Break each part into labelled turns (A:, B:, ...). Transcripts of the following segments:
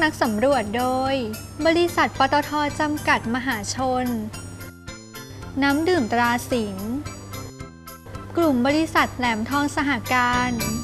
A: นักสำรวจโดยบริษัทปตท.จำกัดมหาชนน้ำดื่มตราสิงห์กลุ่มบริษัทแหลมทองสหการ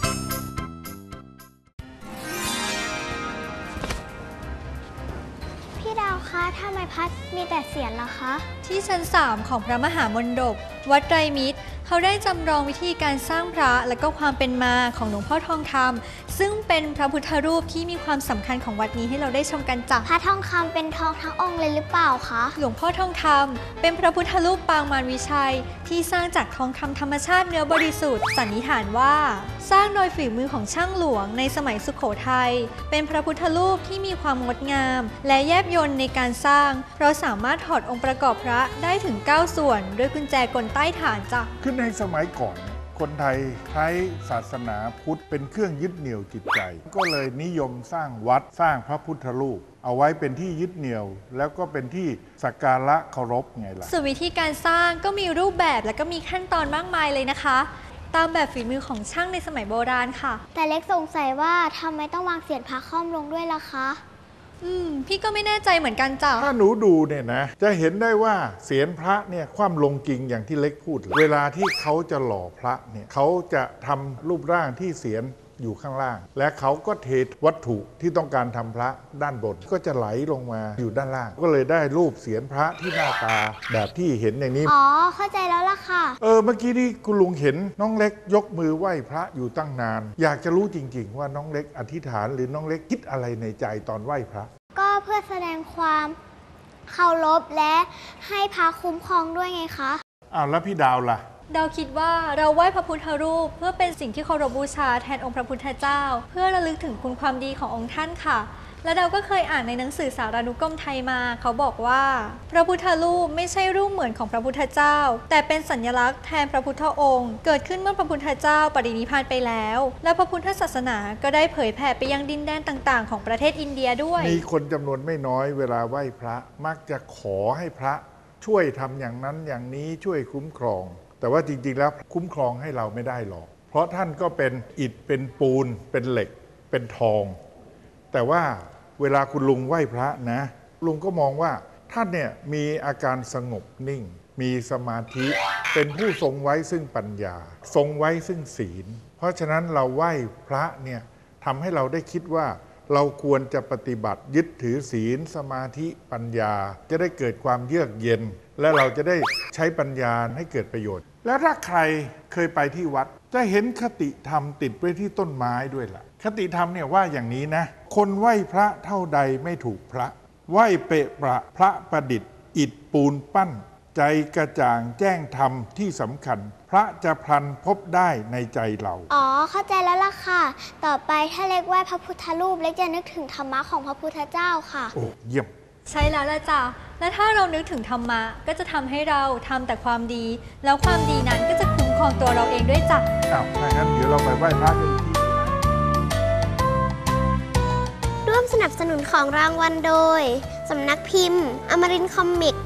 B: พี่ดาวคะทำไมพัดมีแต่เสียงล่ะคะ
A: ที่ชั้น 3 ของพระมหามณฑปวัดไตรมิตรเขาได้จำลองวิธีการสร้างพระและก็ความเป็นมาของหลวงพ่อทองคำซึ่งเป็นพระพุทธรูปที่มีความสำคัญของวัดนี้ให้เราได้ชมกันจ้ะ
B: พระทองคำเป็นทองทั้งองค์เลยหรือเปล่าคะ
A: หลวงพ่อทองคำเป็นพระพุทธรูปปางมารวิชัยที่สร้างจากทองคำธรรมชาติเนื้อบริสุทธิ์สันนิษฐานว่าสร้างโดยฝีมือของช่างหลวงในสมัยสุโขทัยเป็นพระพุทธรูปที่มีความงดงามและแยบยลในการสร้างเพราะสามารถถอดองค์ประกอบพระได้ถึง9ส่วนด้วยกุญแจกลใต้ฐานจ้ะ
C: ขึ้นในสมัยก่อนคนไทยใช้ศาสนาพุทธเป็นเครื่องยึดเหนี่ยวจิตใจก็เลยนิยมสร้างวัดสร้างพระพุทธรูปเอาไว้เป็นที่ยึดเหนี่ยวแล้วก็เป็นที่สักการะเคารพไงล่ะ
A: ส่วนวิธีการสร้างก็มีรูปแบบและก็มีขั้นตอนมากมายเลยนะคะตามแบบฝีมือของช่างในสมัยโบราณค่ะ
B: แต่เล็กสงสัยว่าทำไมต้องวางเศียรพระค่อมลงด้วยล่ะคะ
A: พี่ก็ไม่แน่ใจเหมือนกันจ้ะ
C: ถ้าหนูดูเนี่ยนะจะเห็นได้ว่าเศียรพระเนี่ยคว่ำลงจริงอย่างที่เล็กพูดเวลาที่เขาจะหล่อพระเนี่ยเขาจะทำรูปร่างที่เศียรอยู่ข้างล่างและเขาก็เทวัตถุที่ต้องการทำพระด้านบนก็จะไหลลงมาอยู่ด้านล่างก็เลยได้รูปเศียรพระที่หน้าตาแบบที่เห็นอย่างนี้
B: อ๋อเข้าใจแล้วล่ะค่ะ
C: เมื่อกี้ที่คุณลุงเห็นน้องเล็กยกมือไหว้พระอยู่ตั้งนานอยากจะรู้จริงๆว่าน้องเล็กอธิษฐานหรือน้องเล็กคิดอะไรในใจตอนไหว้พระ
B: ก็เพื่อแสดงความเคารพและให้พระคุ้มครองด้วยไงคะ
C: แล้วพี่ดาวล่ะ
A: ดาวคิดว่าเราไหว้พระพุทธรูปเพื่อเป็นสิ่งที่เคารพบูชาแทนองค์พระพุทธเจ้าเพื่อระลึกถึงคุณความดีขององค์ท่านค่ะและดาวก็เคยอ่านในหนังสือสารานุกรมไทยมาเขาบอกว่าพระพุทธรูปไม่ใช่รูปเหมือนของพระพุทธเจ้าแต่เป็นสัญลักษณ์แทนพระพุทธองค์เกิดขึ้นเมื่อพระพุทธเจ้าปรินิพพานไปแล้วและพระพุทธศาสนาก็ได้เผยแผ่ไปยังดินแดนต่างๆของประเทศอินเดียด้วย
C: มีคนจำนวนไม่น้อยเวลาไหว้พระมักจะขอให้พระช่วยทำอย่างนั้นอย่างนี้ช่วยคุ้มครองแต่ว่าจริงๆแล้วคุ้มครองให้เราไม่ได้หรอกเพราะท่านก็เป็นอิฐเป็นปูนเป็นเหล็กเป็นทองแต่ว่าเวลาคุณลุงไหว้พระนะลุงก็มองว่าท่านเนี่ยมีอาการสงบนิ่งมีสมาธิเป็นผู้ทรงไว้ซึ่งปัญญาทรงไว้ซึ่งศีลเพราะฉะนั้นเราไหว้พระเนี่ยทำให้เราได้คิดว่าเราควรจะปฏิบัติยึดถือศีลสมาธิปัญญาจะได้เกิดความเยือกเย็นและเราจะได้ใช้ปัญญาให้เกิดประโยชน์แล้วถ้าใครเคยไปที่วัดจะเห็นคติธรรมติดไว้ที่ต้นไม้ด้วยล่ะคติธรรมเนี่ยว่าอย่างนี้นะคนไหว้พระเท่าใดไม่ถูกพระไหว้เปะประพระประดิษฐ์อิฐปูนปั้นใจกระจ่างแจ้งธรรมที่สำคัญพระจะพลันพบได้ในใจเรา
B: เข้าใจแล้วล่ะค่ะต่อไปถ้าเล็กไหว้พระพุทธรูปเล็กจะนึกถึงธรรมะของพระพุทธเจ้าค่ะ
C: โอ้เยี่ยม
A: ใช่แล้วล่ะจ้ะและถ้าเรานึกถึงธรรมะก็จะทำให้เราทำแต่ความดีแล้วความดีนั้นก็จะคุ้มครองตัวเราเองด้วยจ้ะ
C: ถ้างั้นเดี๋ยวเราไปไหว้พระกันที
B: ร่วมสนับสนุนของรางวัลโดยสำนักพิมพ์อมรินทร์คอมิก